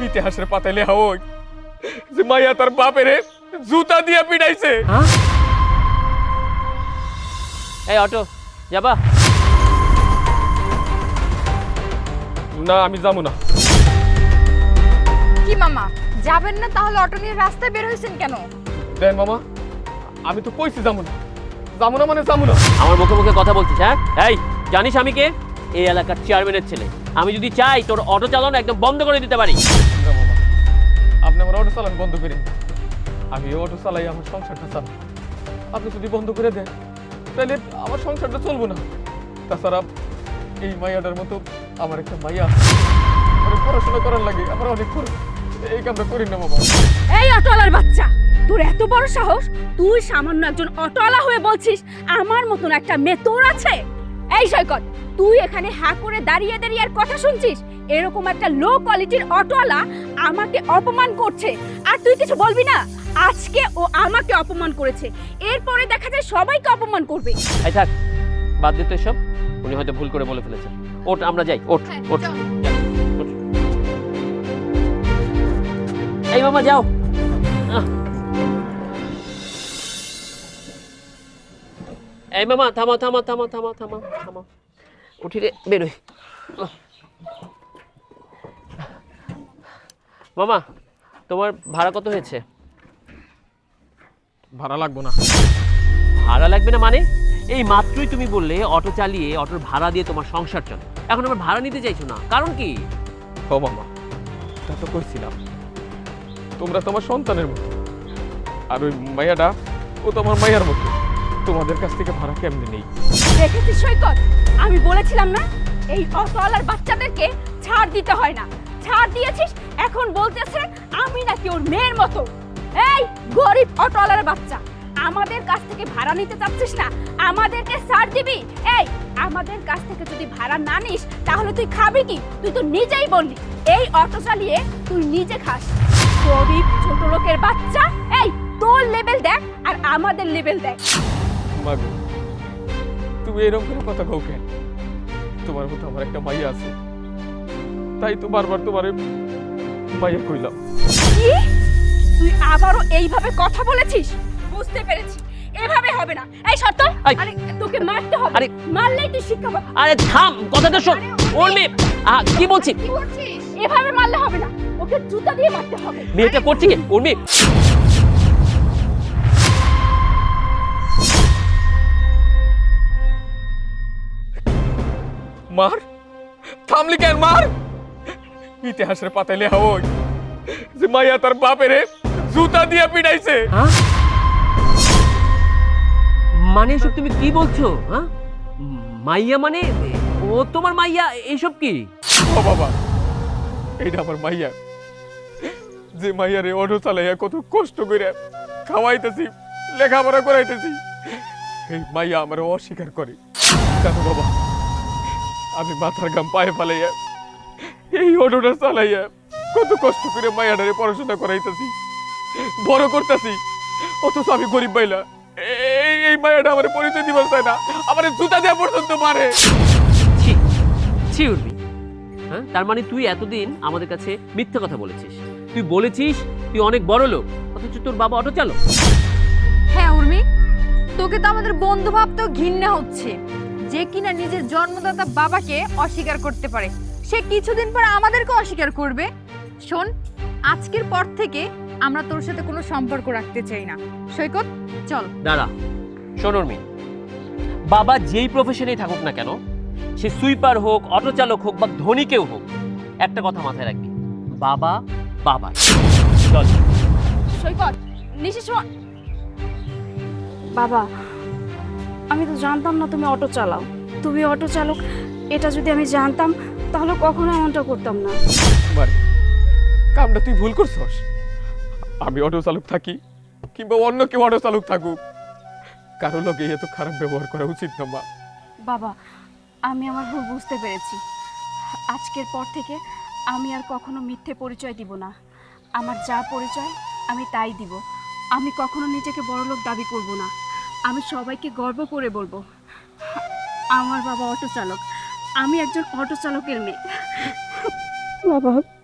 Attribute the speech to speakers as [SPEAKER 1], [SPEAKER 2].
[SPEAKER 1] ইতিহাসের পাতায় লেখা ওই যে মাইয়া তার বাপেরে জুতা দিয়ে পিটাইছে।
[SPEAKER 2] এই অটো যাবা?
[SPEAKER 1] না আমি যাবো না।
[SPEAKER 3] কি মামা যাবেন না? তাহলে অটো নিয়ে রাস্তায় বের হয়েছেন কেন?
[SPEAKER 1] দেন মামা, আমি তো কইছি যাবো না। যাবো না মানে যাবো না।
[SPEAKER 2] আমার মুখে মুখে কথা বলছিস? হ্যাঁ, এই জানিস আমি কে? এই এলাকার চেয়ারম্যানের ছেলে। আমি যদি চাই তোর অটো চালানো একদম বন্ধ করে দিতে পারি।
[SPEAKER 1] না মামা, আপনি আমার অটো চালান বন্ধ করেন। আমি এই অটো চালাই, আমার সংসারটা চালাই। আপনি যদি বন্ধ করে দেন তাহলে আমার সংসারটা চলবো না। তাছাড়া এই মাইয়াটার মতো আমার একটা মাইয়া অনেক পড়াশোনা করার লাগে, আমার অনেক খরচ। এই কামটা করি না মামা।
[SPEAKER 4] এই অটোওয়ালার বাচ্চা, তোর এত বড় সাহস! তুই সামান্য একজন অটোওয়ালা হয়ে বলছিস আমার মতন একটা মেয়ে তোর আছে? এই সৈকত, তুই এখানে হা করে দাঁড়িয়ে দাঁড়িয়ে আর কথা শুনছিস? এরকম একটা লো কোয়ালিটির অটোওয়ালা আমাকে অপমান করছে আর তুই কিছু বলবি না? আজকে ও আমাকে অপমান করেছে, এরপরে দেখা যায় সবাইকে অপমান করবে।
[SPEAKER 2] এই থাক, বাদ দে তো এসব। উনি হয়তো ভুল করে বলে ফেলেছেন। ওঠ, আমরা যাই। ওঠ ওঠ। এই মামা যাও। এই মামা থামো থামো থামো থামো থামো থামো। উঠি রে, বেরোই। মামা, তোমার ভাড়া কত হয়েছে?
[SPEAKER 1] ভাড়া লাগবো না।
[SPEAKER 2] ভাড়া লাগবে না মানে? এই মাত্রই তুমি বললে অটো চালিয়ে অটোর ভাড়া দিয়ে তোমার সংসার চলে, এখন আবার ভাড়া নিতে চাইছো না, কারণ কি?
[SPEAKER 1] ও মামা, তা তো কইছিলাম তোমরা তোমার সন্তানের মতো, আর ওই মাইয়াটা ও তো আমার মাইয়ার মতো। তোমাদের কাছ থেকে ভাড়া কেমনে নেই?
[SPEAKER 4] দেখেছিস সৈকত, আমি বলেছিলাম না এই অটোওয়ালার বাচ্চাদেরকে ছাড় দিতে হয় না। ছাড় দিয়েছিস, এখন বলতেছে আমি নাকি ওর মেয়ের মতো। এই গরিব অটোওয়ালার বাচ্চা, আমাদের কাছ থেকে ভাড়া নিতে চাচ্ছিস না? আমাদেরকে ছাড় দিবি? এই আমাদের কাছ থেকে যদি ভাড়া না নিস তাহলে তুই খাবি কি? তুই তো নিজেই বললি এই অটো চালিয়ে তুই নিজে খাস। গরিব ছোট লোকের বাচ্চা। এই তোর লেভেল দেখ আর আমাদের লেভেল দেখ।
[SPEAKER 1] মাগো, তুমি এরকম করে কথা কও কেন? তোমার মতো আমার একটা মাইয়া আছে, তাই তো বারবার তোমারে মাইয়া কইলাম।
[SPEAKER 4] কি? তুই আবারও এইভাবে কথা বলেছিস? বুঝতে পেরেছি, এভাবে হবে না। এই শর্ত, আরে তোকে মারতে হবে।
[SPEAKER 2] আরে
[SPEAKER 4] মারলেই তুই শিক্ষা পাবি।
[SPEAKER 2] আরে থাম, কথাটা শোন। ওর মেয়ে, কি বলছি?
[SPEAKER 4] কি করছিস? এভাবে মারলে হবে না, ওকে জুতা দিয়ে মারতে হবে।
[SPEAKER 2] মেয়েটা করছে কি? ওর মেয়ে।
[SPEAKER 1] মার? থামলি কেন? মার! ইতিহাসের পাতায় লেখা ওই যে মাইয়া তার বাপেরে জুতা দিয়ে পিটাইছে।
[SPEAKER 2] মানে এসব তুমি কি বলছো? হ্যাঁ, মাইয়া মানে ও তোমার মাইয়া? এইসব কি?
[SPEAKER 1] ও বাবা, এইটা আমার মাইয়া, যে মাইয়ারে অটো চালাইয়া কত কষ্ট করে খাওয়াইতেছি, লেখাপড়া করাইতেছি। এই মাইয়া আমার অস্বীকার করে। জানো বাবা, আমি মাথার ঘাম পায়ে ফালাইয়া এই অটোটা চালাইয়া কত কষ্ট করে মাইয়াটারে পড়াশোনা করাইতেছি, বড় করতেছি, অথচ আমি গরিব বাইলা। এই মাইয়াটা আমার পরিচয় দিবার চায় না, আমার জুতা দেওয়া পর্যন্ত মারে।
[SPEAKER 2] ছি ছি উর্মি, হ্যাঁ, তার মানে তুই এতদিন আমাদের কাছে মিথ্যে কথা বলেছিস। তুই বলেছিস তুই অনেক বড় লোক, অথচ তোর বাবা অটো চালক।
[SPEAKER 3] হ্যাঁ উর্মি, তোকে তো আমাদের বন্ধু ভাবতেও ঘৃণা হচ্ছে, যে কিনা নিজের জন্মদাতা বাবাকে অস্বীকার করতে পারে, সে কিছুদিন পর আমাদেরকে অস্বীকার করবে। শোন, আজকের পর থেকে আমরা তোর সাথে কোনো সম্পর্ক রাখতে চাই না। সৈকত চল।
[SPEAKER 2] দাঁড়া, শোন উর্মি, বাবা যেই প্রফেশনেই থাকুক না কেন, সে সুইপার হোক, অটো চালক হোক বা ধনী কেউ হোক, একটা কথা মাথায় রাখবি, বাবা বাবা। চল।
[SPEAKER 4] সৈকত, নিশিস। বাবা, আমি তো জানতাম না তুমি অটো চালাও। তুমি অটো চালক এটা যদি আমি জানতাম তাহলে কখনো এমনটা করতাম না।
[SPEAKER 1] মারে, কামটা তুই ভুল করছস। আমি অটো চালক থাকি কিংবা অন্য কেউ অটো চালক থাকুক, কারো লগে এত খারাপ ব্যবহার করা উচিত না মা।
[SPEAKER 4] বাবা, আমি আমার ভুল বুঝতে পেরেছি। আজকের পর থেকে আমি আর কখনো মিথ্যে পরিচয় দিব না। আমার যা পরিচয় আমি তাই দিব। আমি কখনো নিজেকে বড়লোক দাবি করব না। আমি সবাইকে গর্ব করে বলবো আমার বাবা অটো চালক, আমি একজন অটো চালকের মেয়ে। বাবা।